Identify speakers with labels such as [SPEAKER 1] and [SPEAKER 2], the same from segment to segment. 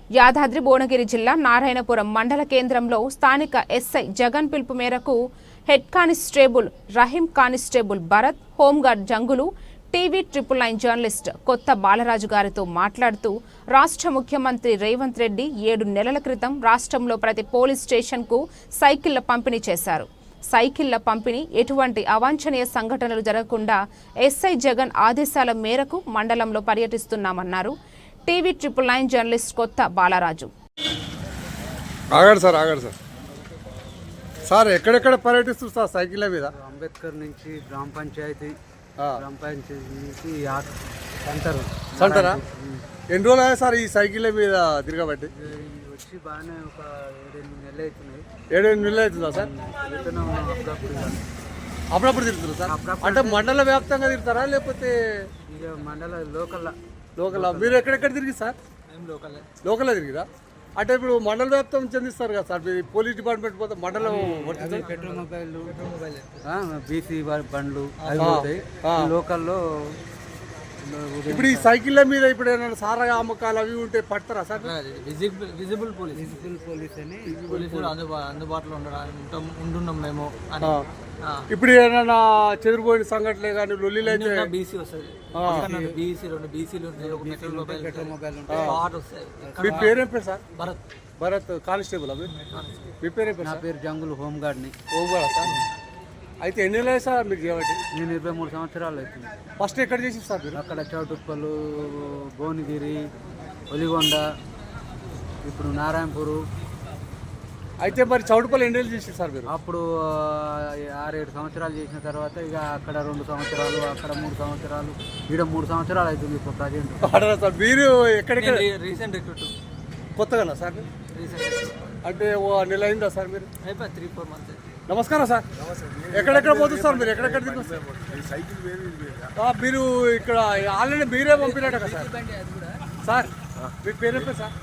[SPEAKER 1] యాదాద్రి భువనగిరి జిల్లా నారాయణపురం మండల కేంద్రంలో స్థానిక ఎస్ఐ జగన్ పిలుపు మేరకు head constable Rahim, constable Bharat, home guard Jangulu, TV 999 journalist Kotha Balaraju గారితో మాట్లాడుతూ రాష్ట్ర ముఖ్యమంత్రి రేవంత్ రెడ్డి 7 నెలల క్రితం రాష్ట్రంలో ప్రతి పోలీస్ స్టేషన్కు సైకిళ్ల పంపిణీ చేశారు. సైకిళ్ల పంపిణీ ఎటువంటి అవాంఛనీయ సంఘటనలు జరగకుండా ఎస్ఐ జగన్ ఆదేశాల మేరకు మండలంలో పర్యటిస్తున్నామన్నారు. TV 999 journalist Kotha Balaraju.
[SPEAKER 2] Sir ఎక్కడెక్కడ పర్యటిస్తారు సార్ సైకిళ్ళ మీద?
[SPEAKER 3] అంబేద్కర్ నుంచి గ్రామ పంచాయతీ నుంచి
[SPEAKER 2] సెంటరా? ఎన్ని రోజులు అయ్యా సార్ ఈ సైకిళ్ళ మీద తిరగబట్టి?
[SPEAKER 3] వచ్చి బాగానే ఒక 7-8 నెలలు అవుతున్నాయి.
[SPEAKER 2] 7-8 నెలలు అవుతుందా సార్? అప్పుడప్పుడు తిరుగుతారు సార్? అంటే మండల వ్యాప్తంగా తిరుగుతారా లేకపోతే
[SPEAKER 3] ఇక మండల లోకల్?
[SPEAKER 2] మీరు ఎక్కడెక్కడ తిరిగి సార్? లోకల్లో తిరిగిరా? అంటే ఇప్పుడు మండల వ్యాప్తం చెందిస్తారు కదా సార్, పోలీస్ డిపార్ట్మెంట్ పోతే మండలం
[SPEAKER 3] పెట్రోల్ మొబైల్ బీసీ బండ్లు అవి పోతాయి లోకల్లో.
[SPEAKER 2] ఇప్పుడు ఈ సైకిళ్ళ మీద ఇప్పుడు ఏమైనా సారా అమ్మకాలు అవి ఉంటే పడతారా సార్?
[SPEAKER 3] విజిబుల్ పోలీస్ అని
[SPEAKER 4] పోలీసులు అందుబాటులో ఉంటున్నాం మేము.
[SPEAKER 2] ఇప్పుడు ఏమైనా చెదిరిపోయిన సంఘటనలే కానీ లొల్లిలు అయితే
[SPEAKER 4] బీసీ వస్తుంది, బీసీలు పెట్రోల్ మొబైల్ వస్తాయి.
[SPEAKER 2] మీ పేరేం పేరు సార్?
[SPEAKER 4] భరత్.
[SPEAKER 2] భరత్ కానిస్టేబుల్. మీ పేరేం పేరు?
[SPEAKER 3] నా పేరు జంగులు, హోంగార్డ్ని.
[SPEAKER 2] Home guard sir? అయితే ఎన్ని నెలలు సార్ మీకు చేయబట్టి?
[SPEAKER 3] నేను 23 సంవత్సరాలు అవుతుంది.
[SPEAKER 2] ఫస్ట్ ఎక్కడ చేసి సార్ మీరు?
[SPEAKER 3] అక్కడ చౌటుప్పలు, భువనగిరి, ఒలిగొండ, ఇప్పుడు నారాయణపూరు.
[SPEAKER 2] అయితే మరి చౌటుపల్లి ఎన్ని నెలలు చేసి సార్ మీరు?
[SPEAKER 3] అప్పుడు 6-7 సంవత్సరాలు చేసిన తర్వాత ఇక అక్కడ 2 సంవత్సరాలు, అక్కడ 3 సంవత్సరాలు, ఈడ 3 సంవత్సరాలు అవుతుంది ఇప్పుడు ప్రజెంట్.
[SPEAKER 2] సార్ మీరు ఎక్కడెక్కడ?
[SPEAKER 4] Recent recruit.
[SPEAKER 2] కొత్తగా సార్? అంటే ఓ నెల అయిందా సార్ మీరు?
[SPEAKER 4] 3-4 మంత్స్.
[SPEAKER 2] నమస్కారం సార్. ఎక్కడెక్కడ పోతుంది సార్ మీరు? ఎక్కడెక్కడ తిరుగుతారు? మీరు ఇక్కడ ఆల్రెడీ మీరే పంపినట్టు కదా సార్? సార్ మీ పేరు చెప్పండి సార్.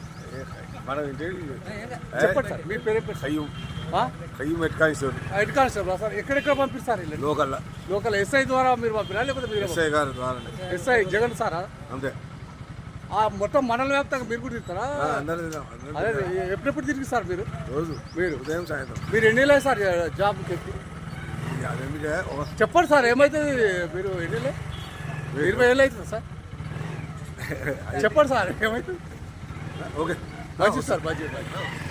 [SPEAKER 2] చెప్పండి సార్ మీ పేరు చెప్పండి. Head constable sir. ఎక్కడెక్కడ పంపిస్తారు? లోకల్ ఎస్ఐ ద్వారా మీరు పంపినా లేకపోతే మీరు? ఎస్ఐ జగన్ సారా?
[SPEAKER 5] అంతే.
[SPEAKER 2] మొత్తం మండల వ్యాప్తంగా మీరు కూడా తిరుగుతారా? అదే ఎప్పుడెప్పుడు తిరిగి సార్ మీరు?
[SPEAKER 5] రోజు
[SPEAKER 2] మీరు
[SPEAKER 5] ఉదయం సాయంత్రం.
[SPEAKER 2] మీరు ఎన్ని నెలలు సార్ జాబ్ చెప్పి? చెప్పండి సార్ ఏమవుతుంది? మీరు ఎన్ని నెలలు? 20 ఏళ్ళు అవుతుంది సార్? చెప్పండి సార్ ఏమవుతుంది?
[SPEAKER 5] ఓకే
[SPEAKER 2] మంచిది సార్, మంచిది.